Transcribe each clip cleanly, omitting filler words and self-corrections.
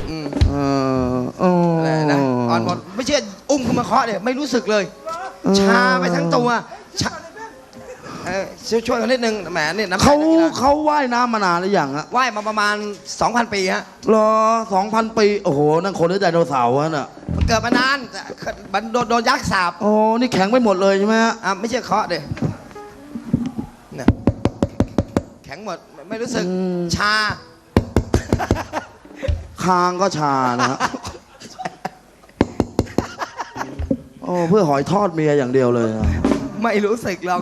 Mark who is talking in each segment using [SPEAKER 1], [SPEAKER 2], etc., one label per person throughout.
[SPEAKER 1] อะไรนะอ่อนหมดไม่เชื่ออุ้มขึ้นมาเคาะเนี่ยไม่รู้สึกเลยชาไปทั้งตัวช่วยกันนิดนึงแหมเนี่ย
[SPEAKER 2] เขาว่ายน้ำมานานหรือยังฮะ
[SPEAKER 1] ว่ายมาประมาณ 2,000 ปีฮะ
[SPEAKER 2] เหรอ 2,000 ปีโอ้โหนั่นคนหรือไดโนเสาร์ฮะน่ะ
[SPEAKER 1] มันเกิดมานานมันโดนยักษ์สาบ
[SPEAKER 2] โอ้นี่แข็งไปหมดเลยใช่ไหมฮะ
[SPEAKER 1] ไม่ใช่เคาะเด้เนี่ยแข็งหมดไม่รู้สึกชา
[SPEAKER 2] คางก็ชานะฮะโอ้เพื่อหอยทอดเมียอย่างเดียวเลย
[SPEAKER 1] ไม่รู้สึกหรอก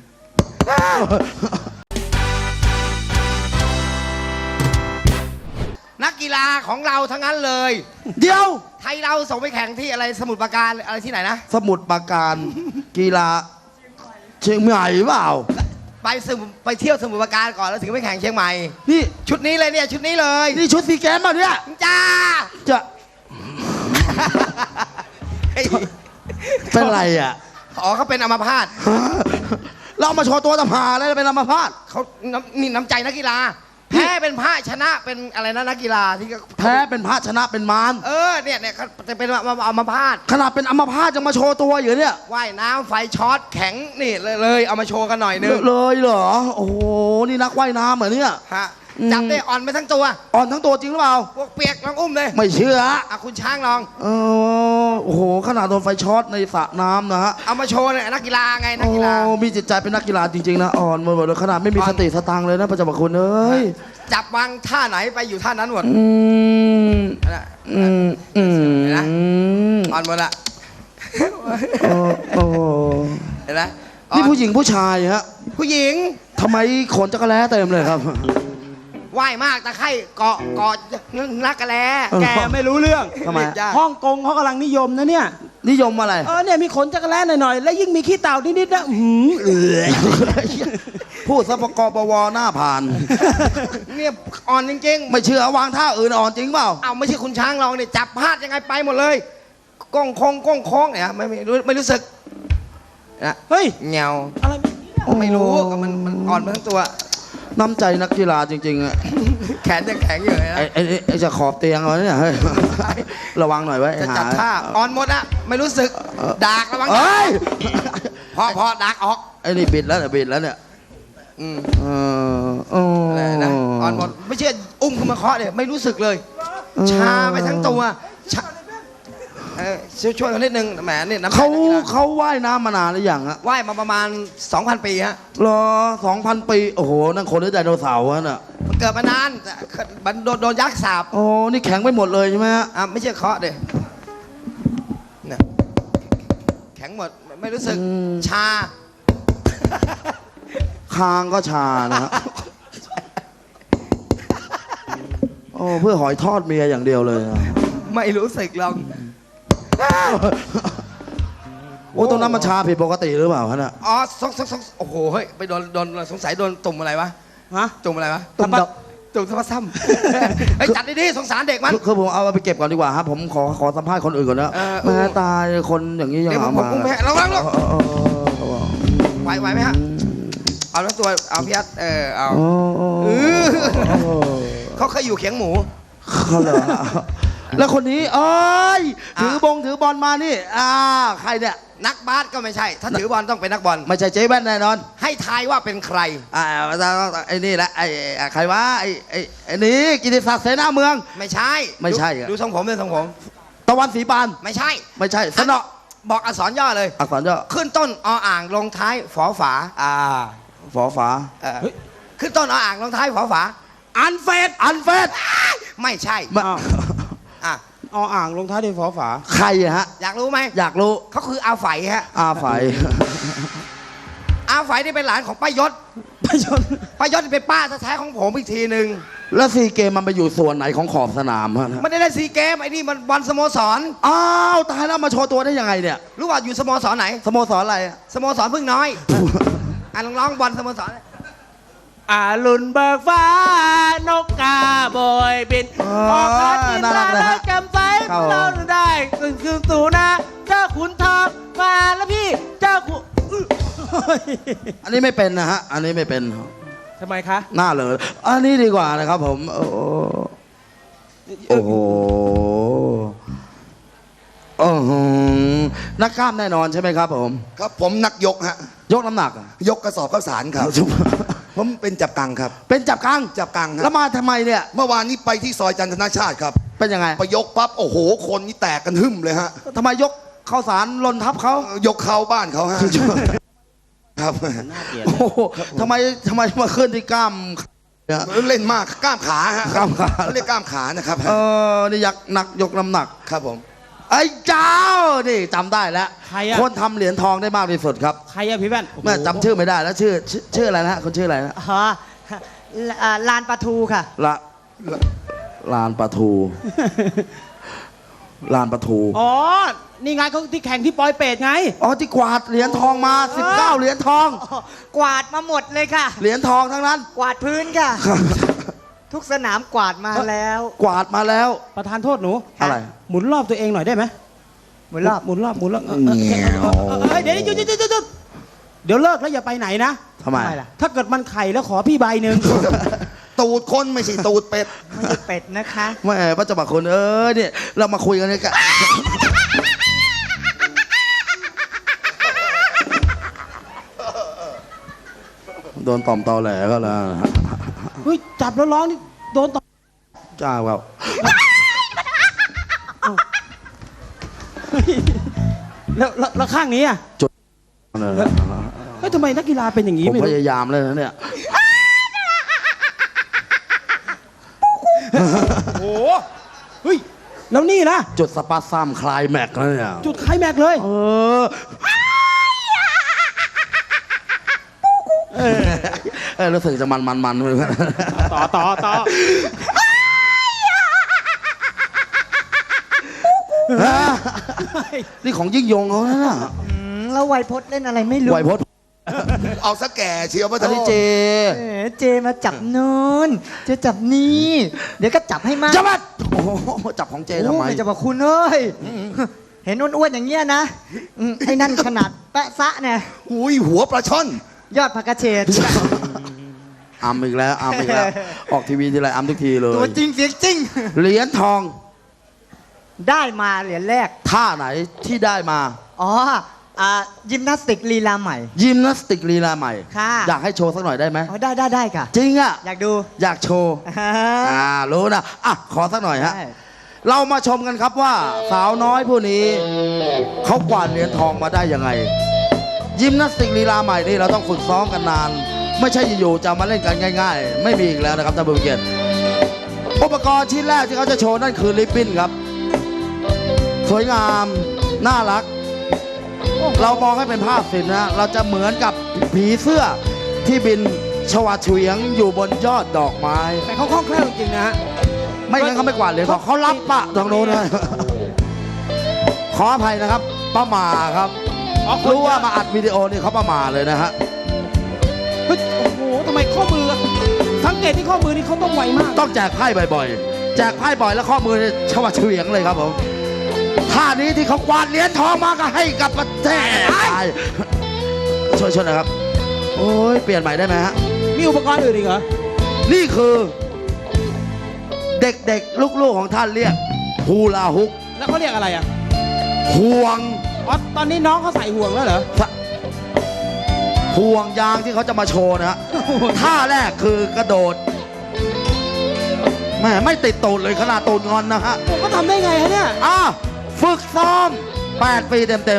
[SPEAKER 1] นักกีฬาของเราทั้งนั้นเลย
[SPEAKER 2] เดี๋ยว
[SPEAKER 1] ไทยเราส่งไปแข่งที่อะไรสมุทรปราการอะไรที่ไหนนะ
[SPEAKER 2] สมุทรปราการกีฬาเชียงใหม่เปล่า
[SPEAKER 1] ไปเที่ยวสมุทรปราการก่อนแล้วถึงไปแข่งเชียงใหม่
[SPEAKER 2] นี่
[SPEAKER 1] ชุดนี้เลยเนี่ยชุดนี้เลย
[SPEAKER 2] นี่ชุดซีเกมป่ะเนี่ย
[SPEAKER 1] จ้า
[SPEAKER 2] จะเป็นไรอ่ะ
[SPEAKER 1] อ๋อเขาเป็นอัมพาต
[SPEAKER 2] เรามาโชว์ตัวตำหาแล้วเป็นอัมพาต
[SPEAKER 1] เขานี่น้ำใจนักกีฬาแพ้เป็นพระชนะเป็นอะไรนะนักกีฬาที่
[SPEAKER 2] แพ้เป็นพระชนะเป็นมาร
[SPEAKER 1] เนี่ยจะเป็นอัมพาต
[SPEAKER 2] ขนาดเป็นอัมพาตยังมาโชว์ตัวอยู่เนี่ย
[SPEAKER 1] ว่ายน้ำไฟช็อตแข็งนี่เลยเอามาโชว์กันหน่อยนึง
[SPEAKER 2] เลยเหรอโอ้โหนี่นักว่ายน้ำเหมือนเนี่ย
[SPEAKER 1] ฮะจับได้อ่อนไปทั้งตัว
[SPEAKER 2] อ่อนทั้งตัวจริงหรือเปล่า
[SPEAKER 1] พวกเปียกลองอุ้มเลย
[SPEAKER 2] ไม่เชื่อ
[SPEAKER 1] คุณช้างลอง
[SPEAKER 2] โอ้โหขนาดโดนไฟช็อตในสระน้ำนะฮะ
[SPEAKER 1] เอามาโชว์เนี่ยนักกีฬาไงนักกีฬา
[SPEAKER 2] มีจิตใจเป็นนักกีฬาจริงๆนะอ่อนหมดเลยขนาดไม่มีสติสตังเลยนะประจักษ์คุณเอ้ย
[SPEAKER 1] จับวางท่าไหนไปอยู่ท่านั้นหมดอ่อนหมดละเห็นไหม
[SPEAKER 2] นี่ผู้หญิงผู้ชายฮะ
[SPEAKER 1] ผู้หญิง
[SPEAKER 2] ทำไมขนจักรแล้เต็มเลยครับ
[SPEAKER 1] ว่ายมากตะไคร่เกาะนักกระแลแกไม่รู้เรื่อง
[SPEAKER 2] ทำไม
[SPEAKER 3] ฮ่องกงเขากำลังนิยมนะเนี่ย
[SPEAKER 2] นิยมอะไร
[SPEAKER 3] เนี่ยมีขนจักรแล้หน่อยๆแล้วยิ่งมีขี้เต่านิดๆนะ
[SPEAKER 2] พูดสปกปวหน้าผ่าน
[SPEAKER 1] เนี่ยอ่อนจริง
[SPEAKER 2] ๆไม่เชื่อวางท่าอื่นอ่อนจริงเปล่า
[SPEAKER 1] เอาไม่ใช่คุณช้างลองเนี่ยจับพลาดยังไงไปหมดเลยก้องโค้งเนี่ยไม่รู้สึกนะ
[SPEAKER 3] เฮ้ย
[SPEAKER 1] เงา
[SPEAKER 3] อะไร
[SPEAKER 1] ไม่รู้มันอ่อนทั้งตัว
[SPEAKER 2] น้ำใจนักกีฬาจริงๆอะ
[SPEAKER 1] แขนยังแข็งอยู่เลยนะ
[SPEAKER 2] ไอ้จะขอบเตียงเอาเนี่ยระวังหน่อยไว้
[SPEAKER 1] จะจัดท่าอ่อนหมดอะไม่รู้สึกดากระวังพอดากออก
[SPEAKER 2] ไอ้นี่บิดแล้วเนี่ย
[SPEAKER 1] อะไรนะอ่อนหมดไม่เชื่ออุ้มขึ้นมาเคาะเนี่ยไม่รู้สึกเลยชาไปทั้งตัวช่วยกันนิดนึงแหมเนี่ย
[SPEAKER 2] เขาว่ายน้ำมานานหรือยังฮะ
[SPEAKER 1] ว่ายมาประมาณ 2,000 ปีฮะ
[SPEAKER 2] เหรอ 2,000 ปีโอ้โหนั่นคนหรือไดโนเสาร์ฮะน่ะ
[SPEAKER 1] มันเกิดมานานมันโดนยักษ์สาบ
[SPEAKER 2] โอ้นี่แข็งไปหมดเลยใช่ไหมฮะ
[SPEAKER 1] ไม่ใช่เคาะเด้เนี่ยแข็งหมดไม่รู้สึกชา
[SPEAKER 2] คางก็ชานะฮะโอ้เพื่อหอยทอดเมียอย่างเดียวเลย
[SPEAKER 1] ไม่รู้สึกหรอก
[SPEAKER 2] โอ้ตรงนั้นมันชาผิดปกติหรือเปล่าฮะน่ะ
[SPEAKER 1] โอ้โหเฮ้ยไปโดนสงสัยโดนตุ่มอะไรวะตุ่มอะไรวะ
[SPEAKER 2] ตุ่ม
[SPEAKER 1] สะพัดซ้ำไอ้จัดดีๆสงสารเด็กมัน
[SPEAKER 2] คือผมเอาไปเก็บก่อนดีกว่าครับผมขอสัมภาษณ์คนอื่นก่อนนะแม่ตายคนอย่างนี้ยัง
[SPEAKER 1] เอามาระวังลูกไหวไหมฮะเอาแล้วตัวเอาพี่ยัดเอาเขาเคยอยู่เขียงหมู
[SPEAKER 2] เขาเหรอแล้วคนนี้ถือบอลมานี่ใครเนี่ย
[SPEAKER 1] นักบาสก็ไม่ใช่ถ้าถือบอลต้องเป็นนักบอล
[SPEAKER 2] ไม่ใช่เจ๊แว่นแน่นอน
[SPEAKER 1] ให้ทายว่าเป็นใคร
[SPEAKER 2] ไอ้นี่แหละใครวะไอ้นี่กิติศักดิ์เสนาเมือง
[SPEAKER 1] ไม่ใช่ดูทรงผมเลยทรงผม
[SPEAKER 2] ตะวันสีปาน
[SPEAKER 1] ไม่ใช่
[SPEAKER 2] สนอ
[SPEAKER 1] บอกอักษรย่อเลย
[SPEAKER 2] อักษรย่อ
[SPEAKER 1] ขึ้นต้นออ่างลงท้ายฝอฝา
[SPEAKER 2] ฝอฝา
[SPEAKER 1] ขึ้นต้นออ่างลงท้ายฝอฝา
[SPEAKER 2] อันเฟส
[SPEAKER 1] ไม่ใช่
[SPEAKER 3] อ่างลงท้ายด้วยฝอฝา
[SPEAKER 2] ใครฮะ
[SPEAKER 1] อยากรู้ไหม
[SPEAKER 2] อยากรู้
[SPEAKER 1] เขาคืออาไฝฮะ
[SPEAKER 2] อาไฝ
[SPEAKER 1] นี่เป็นหลานของป้ายศเป็นป้าแท้ๆของผมอีกทีหนึ่ง
[SPEAKER 2] แล้วซีเกมมันไปอยู่ส่วนไหนของขอบสนามฮะ
[SPEAKER 1] ไม่ได้ซีเกมไอ้นี่มันบอลสโมสร
[SPEAKER 2] ตายแล้วมาโชว์ตัวได้ยังไงเนี่ย
[SPEAKER 1] รู้ว่าอยู่สโมสรไหน
[SPEAKER 2] สโมสรอะไร
[SPEAKER 1] สโมสรพึ่งน้อยร้องบอลสโมสร
[SPEAKER 3] ลุนเบิกฟ้านกกาโบยบินออกหากินแล้วจำไว้เราได้คืนสู่นะเจ้าขุนทองมาแล้วพี่เจ้าขุน
[SPEAKER 2] อันนี้ไม่เป็นนะฮะอันนี้ไม่เป็น
[SPEAKER 3] ทำไมคะ
[SPEAKER 2] หน้าเลยอันนี้ดีกว่านะครับผมโอ้โหนักกล้ามแน่นอนใช่ไหมครับผม
[SPEAKER 4] ครับผมนักยกฮะ
[SPEAKER 2] ยกน้ำหนักอะ
[SPEAKER 4] ยกกระสอบข้าวสารครับ ผมเป็นจับกังครับ
[SPEAKER 2] เป็นจับกัง
[SPEAKER 4] จับกังค
[SPEAKER 2] แล้
[SPEAKER 4] รั
[SPEAKER 2] ว
[SPEAKER 4] บ
[SPEAKER 2] มาทำไมเนี่ย
[SPEAKER 4] เมื่อวานนี้ไปที่ซอยจันทนาชาติครับ
[SPEAKER 2] เป็นยังไง
[SPEAKER 4] ไปยกปั๊บโอ้โหคนนี่แตกกันหึ่มเลยฮะ
[SPEAKER 2] ทำไมยกข้าวสารลนทับเขา
[SPEAKER 4] ยกเขาบ้านเขาฮะครับ
[SPEAKER 2] โอ้โหทำไมมาขึ้นที่กล้ามเนี่ย
[SPEAKER 4] เล่นมากกล้ามขาฮะ
[SPEAKER 2] กล้ามขา
[SPEAKER 4] เรียกกล้ามขานะครับ
[SPEAKER 2] นี่ยักษ์นักยกน้ำหนัก
[SPEAKER 4] ครับผม
[SPEAKER 2] ไอ้เจ้า นี่จำได้แล้ว
[SPEAKER 3] ใครอะ
[SPEAKER 2] คนทำเหรียญทองได้มากที่สุดครับ
[SPEAKER 3] ใครอะพี่แว่น
[SPEAKER 2] แม่จำชื่อไม่ได้แล้วชื่ออะไรนะฮะคนชื่ออะไรนะ
[SPEAKER 5] อ๋อลานปลาทูค่ะ
[SPEAKER 2] ลานปลาทู ลานปลาทู
[SPEAKER 3] อ๋อ นี่ไงเขาที่แข่งที่ปอยเปตไง
[SPEAKER 2] อ๋อที่กวาดเหรียญทองมา 19 เหรียญทอง
[SPEAKER 5] กวาดมาหมดเลยค่ะ
[SPEAKER 2] เหรียญทองทั้งนั้น
[SPEAKER 5] กวาดพื้นค่ะ ทุกสนามกวาดมาแล้ว
[SPEAKER 2] กวาดมาแล้ว
[SPEAKER 3] ประธานโทษหนู
[SPEAKER 2] อะไร
[SPEAKER 3] หมุนรอบตัวเองหน่อยได้ไหม
[SPEAKER 5] หมุนรอบ
[SPEAKER 3] หมุนรอบเออ
[SPEAKER 2] เงี้ยว
[SPEAKER 3] เดี๋ยวเดี๋ยวเลิกแล้วอย่าไปไหนนะ
[SPEAKER 2] ทำไม
[SPEAKER 5] ทำไมล่ะ
[SPEAKER 3] ถ้าเกิดมันไข่แล้วขอพี่ใบหนึ่ง
[SPEAKER 4] ตูดคนไม่ใช่ตูดเป็ด
[SPEAKER 5] ไม่ใช่เป็ดนะคะ
[SPEAKER 2] แม่พระเจ้าบาคุณเนี่ยเรามาคุยกันเนี่ยกันโดนต่อมตอแหลก็แล้ว
[SPEAKER 3] เฮ้ยจับแล้วร้องนี่โดนต่อ
[SPEAKER 2] จ้าครับ
[SPEAKER 3] แล้วข้างนี้อ่ะเฮ้ยทำไมนักกีฬาเป็นอย่างนี้
[SPEAKER 2] ผม
[SPEAKER 3] ไม่
[SPEAKER 2] พ
[SPEAKER 3] รู้
[SPEAKER 2] ยายามเลยนะเนี่ย
[SPEAKER 3] โอ้โหเฮ้ยแล้วนี่นะ
[SPEAKER 2] จุดสปาซัมคลายแม็กซ์แล้วเนี่ย
[SPEAKER 3] จุดไคลแม็กซ์เลย
[SPEAKER 2] รู้สึกจะมันเลย
[SPEAKER 3] ต่อ
[SPEAKER 2] นี่ของยิ่งยงเขานะ
[SPEAKER 5] แล้วไวยพจน์เล่นอะไรไม่รู้
[SPEAKER 2] ไหวพจน์
[SPEAKER 4] เอาซะแก่เชียวพระ
[SPEAKER 2] อัน
[SPEAKER 4] โท
[SPEAKER 2] นี้
[SPEAKER 4] ษ
[SPEAKER 2] เจ
[SPEAKER 5] เจมาจับนู้นเจจับนี่ เดี๋ยวก็จับให้มาก
[SPEAKER 2] จับมันโอ้โหจับของเจทำไม
[SPEAKER 5] โอ้ยจะบอกคุณเอ้ย เห็นอ้วนๆอย่างเงี้ยนะไอ้นั่นขนาดแปะซะเนี่ย
[SPEAKER 4] อุ้ยหัวปลาช่อน
[SPEAKER 5] ยอดผักกระเฉด
[SPEAKER 2] อัมอีกแล้ว ออกทีวีทีไรอัมทุกทีเลย
[SPEAKER 5] ตัวจริงเสียงจริง
[SPEAKER 2] เหรียญทอง
[SPEAKER 5] ได้มาเหรียญแรก
[SPEAKER 2] ท่าไหนที่ได้มา
[SPEAKER 5] อ๋อยิมนาสติกลีลาใหม่
[SPEAKER 2] ยิมนาสติกลีลาใหม่
[SPEAKER 5] ค่ะ
[SPEAKER 2] อยากให้โชว์สักหน่อยได้ไหม
[SPEAKER 5] อ๋อได้ค่ะ
[SPEAKER 2] จริงอ่ะ
[SPEAKER 5] อยากดู
[SPEAKER 2] อยากโชว์ รู้นะขอสักหน่อยฮะ
[SPEAKER 5] ได้
[SPEAKER 2] เรามาชมกันครับว่าสาวน้อยผู้นี้ เขากวาดเหรียญทองมาได้ยังไง ยิมนาสติกลีลาใหม่นี่เราต้องฝึกซ้อมกันนาน ไม่ใช่อยู่ๆจะมาเล่นกันง่าย ๆ ไม่มีอีกแล้วนะครับท่านผู้เกียรติอุปกรณ์ชิ้นแรกที่เขาจะโชว์นั่นคือริบบิ้นครับ สวยงามน่ารัก เรามองให้เป็นภาพศิลป์นะเราจะเหมือนกับผีเสื้อที่บินชวาเฉวียงอยู่บนยอดดอกไม้
[SPEAKER 3] แต่เขาคล่องแคล่วจริงๆนะฮะ
[SPEAKER 2] ไม่งั้นเขาไม่กวาดเหรียญทองเขารับปะทางโน้นเลยขออภัยนะครับป้าหมาครับ
[SPEAKER 3] อ๋อคน
[SPEAKER 2] รู้ว่ามาอัดวิดีโอนี่เขาป้าหมาเลยนะฮะ
[SPEAKER 3] เฮ้ยโอ้โหทำไมข้อมือสังเกตที่ข้อมือนี่เขาต้องไวมาก
[SPEAKER 2] ต้องแจกไพ่บ่อยๆ แจกไพ่บ่อยแล้วข้อมือเนี่ยชวาเฉวียงเลยครับผมท่านี้ที่เขากวาดเหรียญทองมาก็ให้กับประเทศไทยช่วยๆหนะครับ โอ้ยเปลี่ยนใหม่ได้ไหมฮะ
[SPEAKER 3] มีอุปกรณ์อื่นอีกเหรอ
[SPEAKER 2] นี่คือ เด็กๆ ลูกๆของท่านเรียกฮูลาฮุก
[SPEAKER 3] แล้วเขาเรียกอะไรอ่ะ
[SPEAKER 2] ห่วง
[SPEAKER 3] อ๋อตอนนี้น้องเขาใส่ห่วงแล้วเหรอ
[SPEAKER 2] ห่วงยางที่เขาจะมาโชว์นะฮะ ท่าแรกคือกระโดดแม่ไม่ติดตูดเลยขนาดตูดงอนนะฮะ
[SPEAKER 3] ผมก็ทำได้ไงฮะเนี่ย
[SPEAKER 2] ฝึกซ้อม 8 ปีเต็ม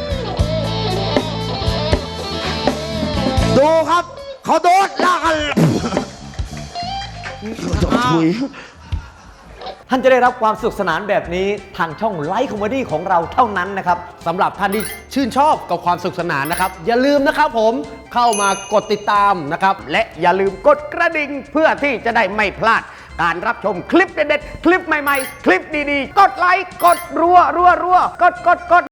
[SPEAKER 2] ๆ ดูครับ เขาโดดลากกันถุย
[SPEAKER 6] ท่านจะได้รับความสนุกสนานแบบนี้ทางช่องไลฟ์คอมเมดี้ของเราเท่านั้นนะครับ
[SPEAKER 7] สำหรับท่านที่ชื่นชอบกับความสนุกสนานนะครับ อย่าลืมนะครับผมเข้ามากดติดตามนะครับ และอย่าลืมกดกระดิ่งเพื่อที่จะได้ไม่พลาด การรับชมคลิปเด็ดๆ คลิปใหม่ๆ คลิปดีๆ กดไลค์ กดรัวๆ กด